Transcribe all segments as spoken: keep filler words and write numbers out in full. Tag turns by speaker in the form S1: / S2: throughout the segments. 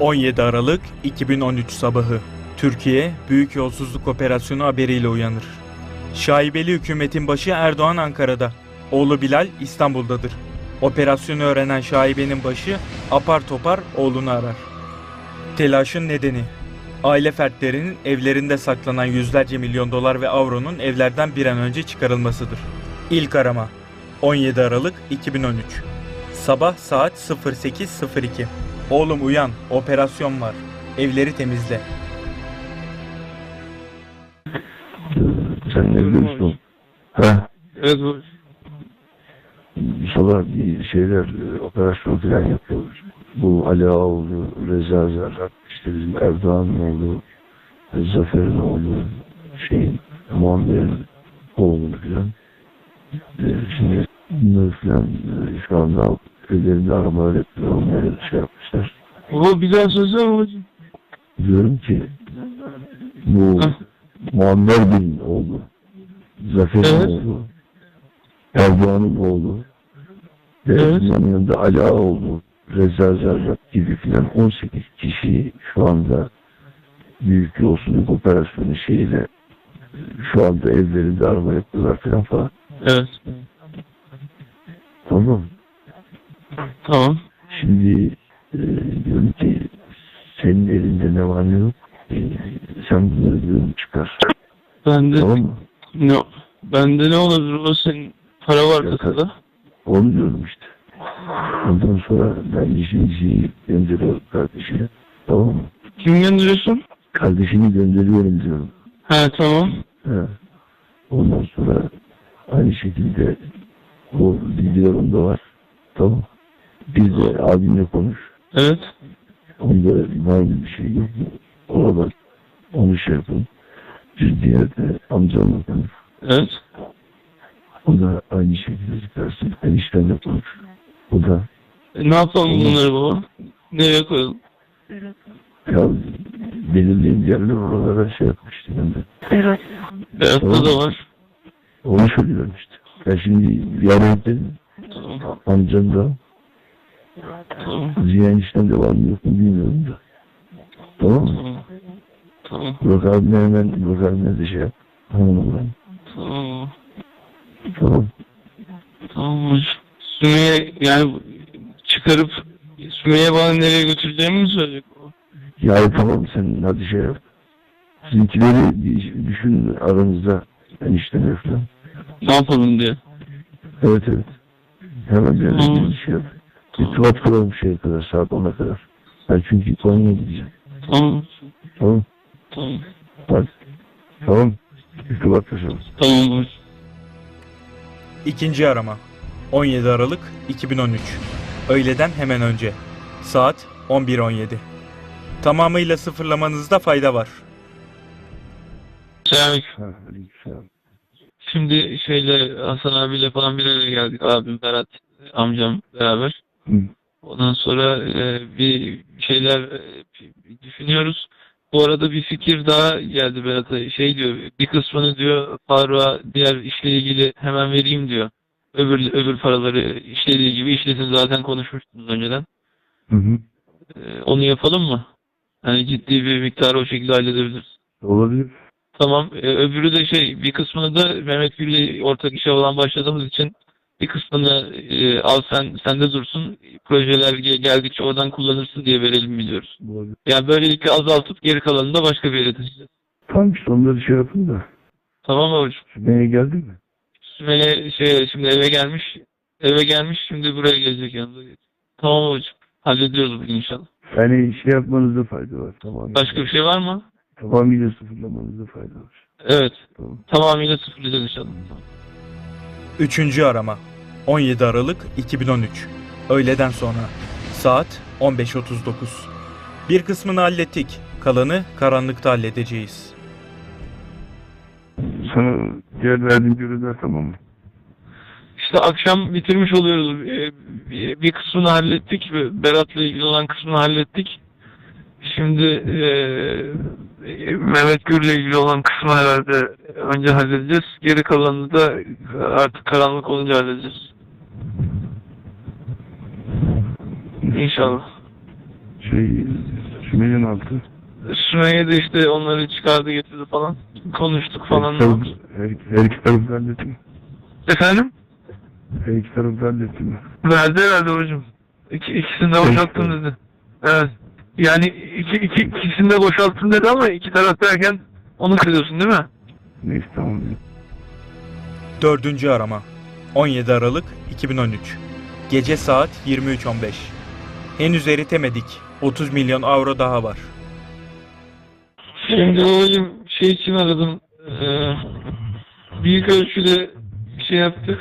S1: on yedi Aralık iki bin on üç sabahı. Türkiye, büyük yolsuzluk operasyonu haberiyle uyanır. Şaibeli hükümetin başı Erdoğan Ankara'da. Oğlu Bilal İstanbul'dadır. Operasyonu öğrenen şaibenin başı apar topar oğlunu arar. Telaşın nedeni: aile fertlerinin evlerinde saklanan yüzlerce milyon dolar ve avronun evlerden bir an önce çıkarılmasıdır. İlk arama on yedi Aralık iki bin on üç. Sabah saat sıfır sekiz sıfır iki. Oğlum uyan, operasyon var. Evleri temizle.
S2: Sen ne diyorsun? Ha?
S3: Evet bu.
S2: Sabah bir şeyler, operasyon falan yapıyoruz. Bu Ali Ağaoğlu, Reza Zerrak, işte bizim Erdoğan'ın oğlu, Zafer'in oğlu, şeyin, Muammer'in oğlu falan. Şimdi bunları falan şu anda ellerinde aramalar yapıyor, onları şey yapmışlar.
S3: O bir daha söylesene babacığım.
S2: Diyorum ki bu Muammer Bey'in oğlu, Zafer'in
S3: Evet.
S2: oğlu, Erdoğan'ın oğlu, ve
S3: Evet.
S2: bunun yanında Ali Ağaoğlu, Reza Zerrak gibi filan on sekiz kişi şu anda büyük yolsuzluk operasyonu şeyiyle şu anda evlerinde arama yapıyorlar filan falan.
S3: Evet.
S2: Tamam.
S3: Tamam.
S2: Şimdi e, diyorum ki senin elinde ne var ne yok, e, sen bunları diyorum çıkar.
S3: Bende
S2: Tamam mı?
S3: ne? Bende ne olabilir? O senin para var
S2: Ya,
S3: kasada.
S2: Onu diyorum işte. Ondan sonra ben işimizi gönderiyorum kardeşine. Tamam mı?
S3: Kim gönderiyorsun?
S2: Kardeşini gönderiyorum diyorum.
S3: He tamam.
S2: He. Ondan sonra aynı şekilde o videolarım da var. Tamam. Bir de abimle konuş.
S3: Evet.
S2: Onda var mı bir şey yok mu? Ona bak. Onu şey yapın. Bir diğer de amcamla konuş.
S3: Evet.
S2: O da aynı şekilde çıkarsın. Eniştenle konuş. O da
S3: E, ne yapalım
S2: Tamam.
S3: bunları baba? Nereye koyalım?
S2: ya belirleyen yerler oralara şey yapmıştı ben de.
S3: Berat'ta
S2: Tamam.
S3: da var.
S2: Onu söylüyorum işte. Ben şimdi yarın dedim.
S3: Tamam.
S2: Amcam da
S3: Tamam.
S2: Ziya enişten de var mı yok mu bilmiyorum da. Tamam mı?
S3: Tamam. Tamam.
S2: Burak abine hemen Burak abine de şey yap. Tamam ben.
S3: Tamam.
S2: Tamam.
S3: Tamam hocam. Sümeyye yani çıkarıp Sümeyye bana nereye götüreceğimi mi söyleyecek o?
S2: Ya tamam sen hadi şey yap. Sizinkileri bir düşün aranızda enişten falan.
S3: Ne yapalım diye.
S2: Evet evet. Hemen bir
S3: Tamam.
S2: bir şey yap. İrtibat kuralım şeye kadar saat ona kadar. Ben çünkü Konya'ya gideceğim.
S3: Tamam.
S2: Tamam.
S3: Tamam.
S2: Hadi. Tamam. İrtibat kuralım.
S3: Tamam hocam.
S1: İkinci arama on yedi Aralık iki bin on üç. Öğleden hemen önce. Saat on bir on yedi. Tamamıyla sıfırlamanızda fayda var.
S3: Selamünaleyküm.
S2: Ha, aleykümselam.
S3: Şimdi şeyle Hasan abiyle falan bir araya geldik. Abim, Berat, amcam beraber.
S2: Hı.
S3: Ondan sonra e, bir şeyler e, düşünüyoruz. Bu arada bir fikir daha geldi Berat'a. Şey diyor, bir kısmını diyor Faruk'a diğer işle ilgili hemen vereyim diyor. Öbür öbür paraları işlediği gibi işlesin, zaten konuşmuştunuz önceden.
S2: Hı hı.
S3: E, onu yapalım mı? Yani ciddi bir miktarı o şekilde halledebiliriz.
S2: Olabilir.
S3: Tamam. E, öbürü de şey, bir kısmını da Mehmet Gül'le ortak işe olan başladığımız için bir kısmını e, al sen sende dursun. Projeler ge- geldikçe oradan kullanırsın diye verelim biliyoruz.
S2: Olabilir.
S3: Yani böylelikle azaltıp geri kalanını da başka bir yere taşıyacağız.
S2: Tamam işte onları şey yapın da.
S3: Tamam mı hocam?
S2: Sümeyye geldi mi?
S3: Sümeyye şey şimdi eve gelmiş. Eve gelmiş, şimdi buraya gelecek yanında. Tamam hocam. Hallediyoruz bugün inşallah.
S2: Yani şey yapmanızda fayda var. Tamam.
S3: Başka bir şey var mı?
S2: Tamamıyla sıfırlamanızda fayda var.
S3: Evet.
S2: Tamam.
S3: Tamamıyla sıfırlayacağız inşallah. Tamam.
S1: Üçüncü arama on yedi Aralık iki bin on üç. Öğleden sonra. Saat on beş otuz dokuz. Bir kısmını hallettik. Kalanı karanlıkta halledeceğiz.
S2: Sana diğer verdiğim görevler tamam mı?
S3: İşte akşam bitirmiş oluyoruz. Ee, Bir bir kısmını hallettik. Berat'la ilgili olan kısmını hallettik. Şimdi eee Mehmet Gür'le ilgili olan kısmı herhalde önce halledeceğiz. Geri kalanını da artık karanlık olunca halledeceğiz. İnşallah.
S2: Şey, Sümeyye'nin altı.
S3: Sümeyye de işte onları çıkardı getirdi falan. Konuştuk falan.
S2: Her, taraf, her, her iki tarafı halletti mi?
S3: Efendim?
S2: Her iki tarafı halletti mi?
S3: Verdi herhalde hocam. İki, ikisini de boşalttım dedi. Evet. Yani iki, iki, ikisini de boşalttım dedi ama iki taraf derken onu kırıyorsun değil mi?
S2: Neyse tamam.
S1: Dördüncü arama on yedi Aralık iki bin on üç. Gece saat yirmi üç on beş. Henüz eritemedik. otuz milyon avro daha var.
S3: Şimdi hocam şey için aradım. Ee, büyük ölçüde şey yaptık.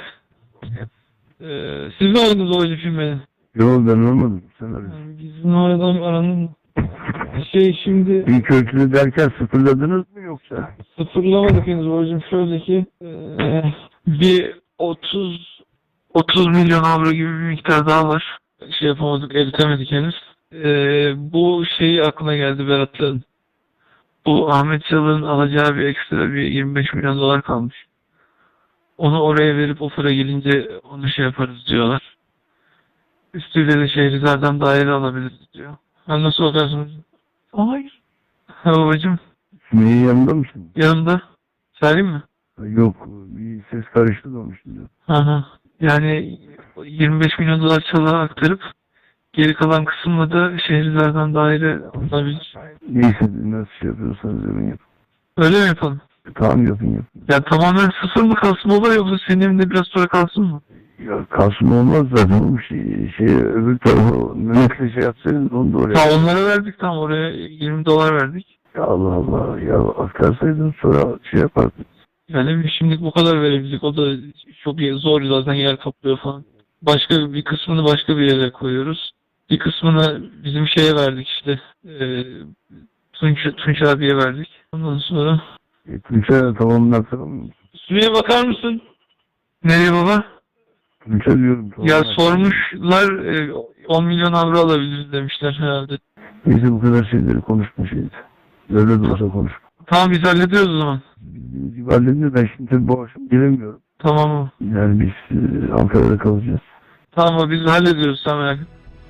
S3: Ee, siz mi aradınız hocam şimdi beni?
S2: Yok ben olmadım. Sen arıyorsun.
S3: Yani bizim aradan aranın şey şimdi
S2: Büyük ölçülü derken sıfırladınız mı yoksa?
S3: sıfırlamadık henüz hocam. Şöyle ki ee, bir otuz otuz milyon avro gibi bir miktar daha var. Şey yapamadık, eritemedik henüz. Ee, bu şey aklına geldi Berat'ın. Bu Ahmet Çalık'ın alacağı bir ekstra bir yirmi beş milyon dolar kalmış. Onu oraya verip o para gelince onu şey yaparız diyorlar. Üstüyle de Şehrizar'dan daire alabiliriz diyor. Ha, nasıl bakarsınız? Hayır. Ha babacım
S2: Sümeyye yanında mısın?
S3: yanımda. Söyleyeyim mi?
S2: Yok bir ses karıştı da onun şimdi.
S3: Hı hı. Yani yirmi beş milyon dolar Çalık'a aktarıp geri kalan kısımla da Şehrizar'dan daire alınabilir.
S2: Neyse nasıl şey yapıyorsanız yapın yapın.
S3: Öyle mi yapalım?
S2: Tamam yapın yapın.
S3: Ya tamamen sıfır mı kalsın baba yoksa senin evinde biraz sonra kalsın mı?
S2: Ya kalsın olmaz zaten oğlum şey, şey öbür tarafa Mehmet'le şey yapsaydınız onu da oraya.
S3: Ha onlara verdik tam oraya yirmi dolar verdik.
S2: Ya Allah Allah ya aktarsaydın sonra şey yapardık.
S3: Yani şimdilik bu kadar verebildik. O da çok zor zaten yer kaplıyor falan. Başka bir kısmını başka bir yere koyuyoruz. Bir kısmını bizim şeye verdik işte. E, Tunç, Tunç abiye verdik. Ondan sonra...
S2: E, Tunç'a tamamını aktaramıyor musun?
S3: Sümeyye bakar mısın? Nereye baba?
S2: Tunç'a diyorum. Tamam,
S3: Ya
S2: aktaramıyor.
S3: sormuşlar e, on milyon avro alabiliriz demişler herhalde.
S2: Neyse bu kadar şeyleri konuşma şeydi. Öyle de olsa konuş.
S3: Tamam biz hallediyoruz o zaman.
S2: Bildiğiniz gibi hallediyor. Ben şimdi tabii bu akşam gelemiyorum.
S3: Tamam mı?
S2: Yani biz e, Ankara'da kalacağız.
S3: Tamam mı? Biz hallediyoruz sen merak etme.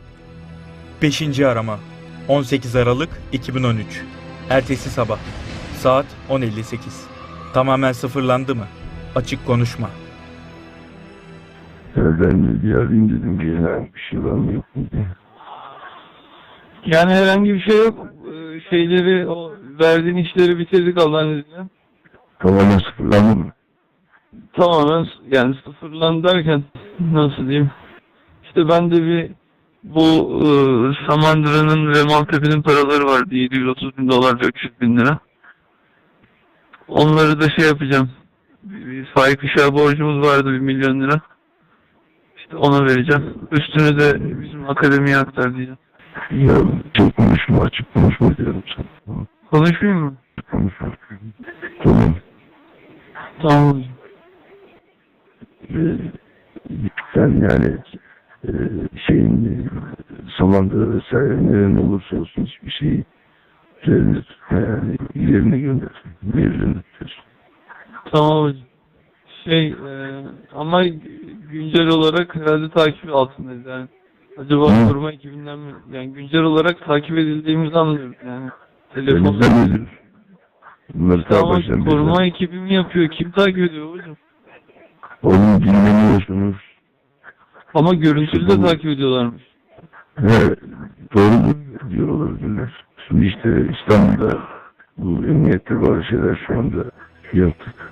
S1: Beşinci arama on sekiz Aralık iki bin on üç. Ertesi sabah saat on elli sekiz. Tamamen sıfırlandı mı? Açık konuşma.
S2: Ya ben de bir arayayım dedim ki herhangi bir şey var mı yok mu diye.
S3: Yani herhangi bir şey yok. Ee, Şeyleri, o verdiğin işleri bitirdik Allah'ın izniyle.
S2: Tamamen sıfırlandı mı?
S3: Tamamen s- yani sıfırlandı derken nasıl diyeyim? İşte ben de bir bu e, Samandıra'nın ve Maltepe'nin paraları vardı. yedi yüz otuz bin dolar, üç yüz bin lira. Onları da şey yapacağım. Bir, bir Faik Işık'a borcumuz vardı bir milyon lira. İşte ona vereceğim. Üstünü de bizim akademiye aktar diyeceğim.
S2: Ya çok konuşma açık konuşma diyorum sana. Tamam,
S3: Konuşmayayım mı?
S2: konuşma. Tamam.
S3: Tamam hocam.
S2: Ee, sen yani e, şeyin e, Samandıra vesaire neren olursa olsun hiçbir şeyi üzerine tutma yani yerine gönder. Yerine tutuyorsun.
S3: Tamam hocam. Şey e, ama güncel olarak herhalde takip altındayız yani. Acaba
S2: Hı.
S3: koruma ekibinden mi? Yani güncel olarak takip edildiğimizi anlıyoruz yani. Telefon.
S2: Elimizden ne diyorsun? Bunları
S3: Tamam
S2: sağ
S3: koruma
S2: baştan
S3: ekibi mi yapıyor? Kim takip ediyor hocam?
S2: Oğlum dinlemiyorsunuz.
S3: Ama görüntülü de
S2: Bu-
S3: takip ediyorlarmış.
S2: He, doğru diyor olabilirler. Şimdi işte İstanbul'da bu emniyette bazı şeyler şu anda yaptık.